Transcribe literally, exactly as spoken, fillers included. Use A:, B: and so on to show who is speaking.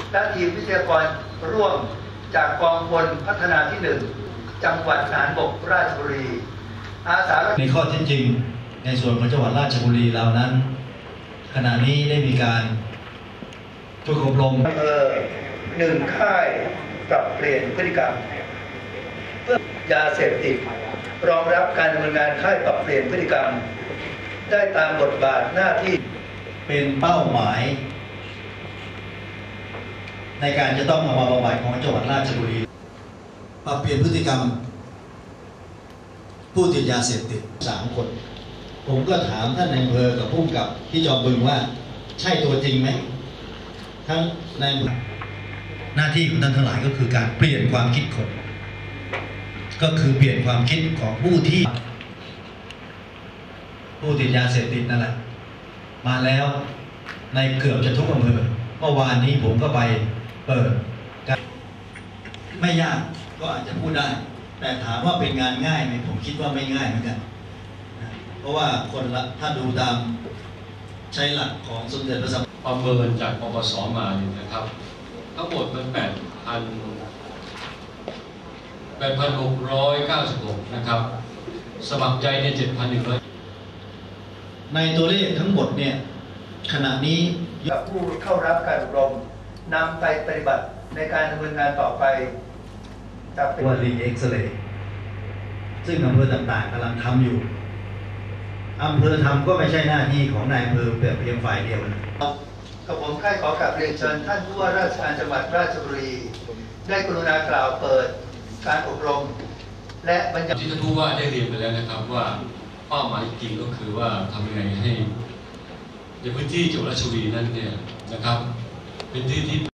A: และทีมวิทยากรร่วมจากกองพลพัฒนาที่หนึ่งจังหวัดทหารบกราชบุรีอาสาในข้อเท็จจริงในส่วนของจังหวัดราชบุรีเรานั้นขณะนี้ได้มีการฝึกอบรมอำเภอหนึ่งค่ายปรับเปลี่ยนพฤติกรรมเพื่อยาเสพติดรองรับการดำเนินงานค่ายปรับเปลี่ยนพฤติกรรมได้ตามบทบาทหน้าที่เป็นเป้าหมายในการจะต้องเอามาบำบัดของจังหวัดราชบุรีปรับเปลี่ยนพฤติกรรมผู้ติดยาเสพติดสามคนผมก็ถามท่านนายอำเภอกับผู้กำกับที่จอมบึงว่าใช่ตัวจริงไหมทั้งในหน้าที่ของท่านทั้งหลายก็คือการเปลี่ยนความคิดคนก็คือเปลี่ยนความคิดของผู้ที่ผู้ติดยาเสพติดนั่นแหละมาแล้วในเกือบจะทุกอำเภอเมื่อวานนี้ผมก็ไปเปิดไม่ยากก็อาจจะพูดได้แต่ถามว่าเป็นงานง่ายไหมผมคิดว่าไม่ง่ายเหมือนกันเพราะว่าคนละถ้าดูตามใช้หลักของสมเด็จพระสัมมาสัมพุทธเจ้า
B: ประเมินจากปปสมาเนี่ยนะครับทั้งหมดมันแปดพันแปดพันหกร้อยเก้าสิบหกนะครับสมัครใจในเจ็ดพันหนึ่งร้อย
A: ในตัวเลขทั้งหมดเนี่ยขณะนี้ผู้เข้ารับการอบรมนำไปปฏิบัติในการดำเนินงานต่อไปจะเป็นว่ารีเอ็กซเรย์ซึ่งอำเภอต่างๆกำลังทำอยู่อำเภอทำก็ไม่ใช่หน้าที่ของนายอำเภอเพียงฝ่ายเดียวนะกับผมค่ายขอกราบเรียนเชิญท่านผู้ว่าราชการจังหวัดราชบุรีได้กรุณากล่าวเปิดการอบรมและบรรยาย
B: ที่ท่านผู้ว่าได้เรียนไปแล้วนะครับว่าเป้าหมายจริงก็คือว่าทำยังไงให้ในพื้นที่จังหวัดราชบุรีนั้นเนี่ยนะครับเป็นที่ที่